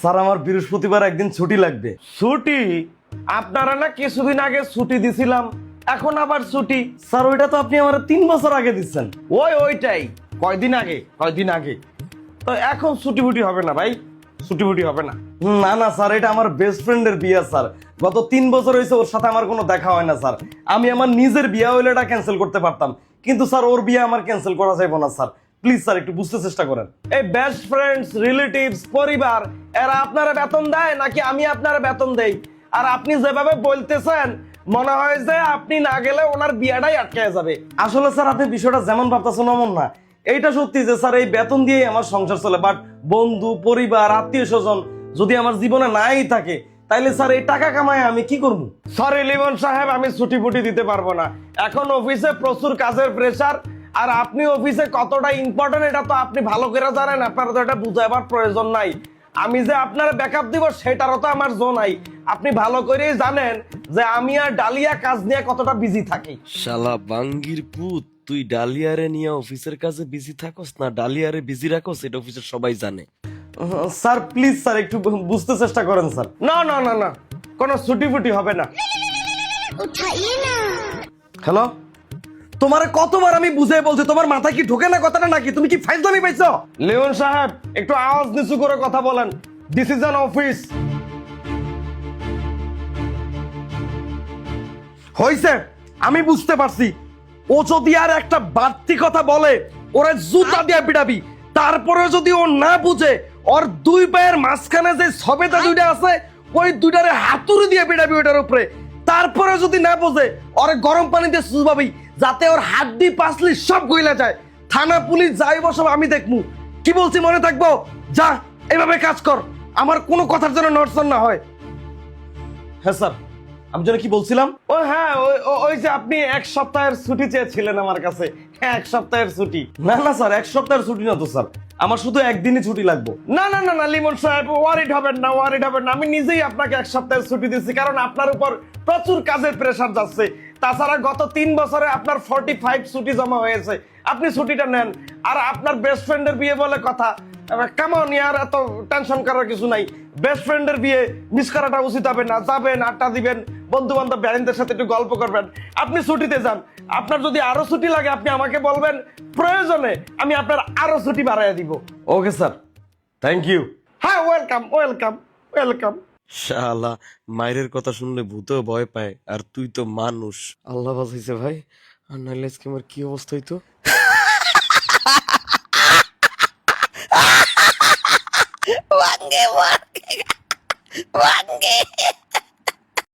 Sir আমার বৃহস্পতিবার একদিন ছুটি লাগবে। ছুটি? আপনারা না কিছুদিন আগে ছুটি দিছিলাম, এখন আবার ছুটি? স্যার ওইটা তো আপনি আমার 3 বছর আগে দিচ্ছেন। ওইটাই, কয়দিন আগে। তো এখন ছুটি ফুটি হবে না ভাই, ছুটি ফুটি হবে না। না না স্যার, এটা আমার বেস্ট ফ্রেন্ডের বিয়ে স্যার। গত 3 বছর হয়েছে ওর সাথে আমার কোনো দেখা হয় না স্যার। আমি আমার নিজের বিয়ে হইলে এটা ক্যান্সেল করতে পারতাম, কিন্তু স্যার ওর বিয়ে আমার ক্যান্সেল করা যাবে না স্যার। প্লিজ স্যার একটু বুঝতে চেষ্টা করেন। এই বেস্ট ফ্রেন্ডস, রিলেটিভস, পরিবার, এরা আপনারা বেতন দেয় নাকি আমি আপনারা বেতন দেই? আর আপনি যেভাবে বলতেছেন মনে হয় যে আপনি না গেলে ওনার বিয়েটাই আটকে যাবে। আসলে স্যার আপনি বিষয়টা যেমন ভাবতেছেন এমন না। এইটা সত্যি যে স্যার এই বেতন দিয়েই আমার সংসার চলে, বাট বন্ধু পরিবার আত্মীয় স্বজন যদি আমার জীবনে নাই থাকে তাইলে স্যার এই টাকা কামায় আমি কি করব? সরি লিমন সাহেব, আমি ছুটি ফুটি দিতে পারবো না। এখন অফিসে প্রচুর কাজের প্রেসার, আর আপনি অফিসে কতটা ইম্পর্টেন্ট এটা তো আপনি ভালো করে জানেন। আপনার তো এটা বুঝাবার প্রয়োজন নাই। আমি যে আপনার ব্যাকআপ দিব সেটারও তো আমার জো নাই। আপনি ভালো করেই জানেন যে আমি আর ডালিয়া কাজ নিয়ে কতটা বিজি থাকি। শালা বাঙ্গির পুত, তুই ডালিয়ারে নিয়ে অফিসের কাজে বিজি থাকস না ডালিয়ারে বিজি রাখস, এটা অফিসের সবাই জানে। স্যার প্লিজ স্যার একটু বুঝতে চেষ্টা করেন স্যার। না, কোনো ছুটি ফুটি হবে না। হ্যালো, তোমারে কতবার আমি বুঝাই বলছি, তোমার মাথায় কি ঢোকে না কথাটা নাকি? তুমি কি ফাইজলামি পাইছো? লিমন সাহেব একটু আওয়াজ নিচু করে কথা বলেন। This is an office. হইছে, আমি বুঝতে পারছি। ও যদি আর একটা বাড়তি কথা বলে ওরা জুতা দিয়ে পিটাবি। তারপরে যদি ও না বুঝে, ওর 2 পায়ের মাঝখানে যে সবেদা দুইটা আছে ওই দুইটারে হাতুড়ি দিয়ে পিটাবি ওইটার উপরে। তারপরে যদি না বোঝে ওর গরম পানি দিয়ে সুজবাবি, যাতে ওর হাড্ডি পাসলি সব গইলা যায়। থানা পুলিশ যাইব সব আমি দেখমু। কি বলছি মনে থাকবো? যা এভাবে কাজ কর, আমার কোনো কথার জন্য নড়চড় না হয়। হ্যাঁ স্যার, আমি যেন কি বলছিলাম? ও হ্যাঁ, ওই যে আপনি 1 সপ্তাহের ছুটি চেয়েছিলেন আমার কাছে। হ্যাঁ, 1 সপ্তাহের ছুটি। না না স্যার, 1 সপ্তাহের ছুটি না তো স্যার, আমার শুধু একদিনই ছুটি লাগবে। না লিমন সাহেব, ওয়ারিড হবেন না। আমি নিজেই আপনাকে 1 সপ্তাহের ছুটি দিচ্ছি, কারণ আপনার উপর প্রচুর কাজের প্রেসার যাচ্ছে। তাছাড়া গত 3 বছরে আপনার 45 ছুটি জমা হয়েছে। আপনি ছুটিটা নেন। আর আপনার বেস্ট ফ্রেন্ডের বিয়ে বলে কথা, কেমন ইয়ার, এত টেনশন করার কিছু নাই। বেস্ট ফ্রেন্ডের বিয়ে মিস করাটা উচিত হবে না। যাবেন, আড্ডা দিবেন, বন্ধু বান্ধব ব্যারেনদের সাথে একটু গল্প করবেন। আপনি ছুটিতে যান। আপনার যদি আরো ছুটি লাগে আপনি আমাকে বলবেন, প্রয়োজনে আমি আপনার আরো ছুটি বাড়াইয়া দিব। Okay sir, thank you. হ্যাঁ, ওয়েলকাম। শালা মায়ের কথা শুনলে ভূতেও ভয় পায়, আর তুই তো মানুষ। আল্লাহ বাঁচাইছে ভাই, আর নাইলে আজকে আমার কি অবস্থা হইতো। Wange.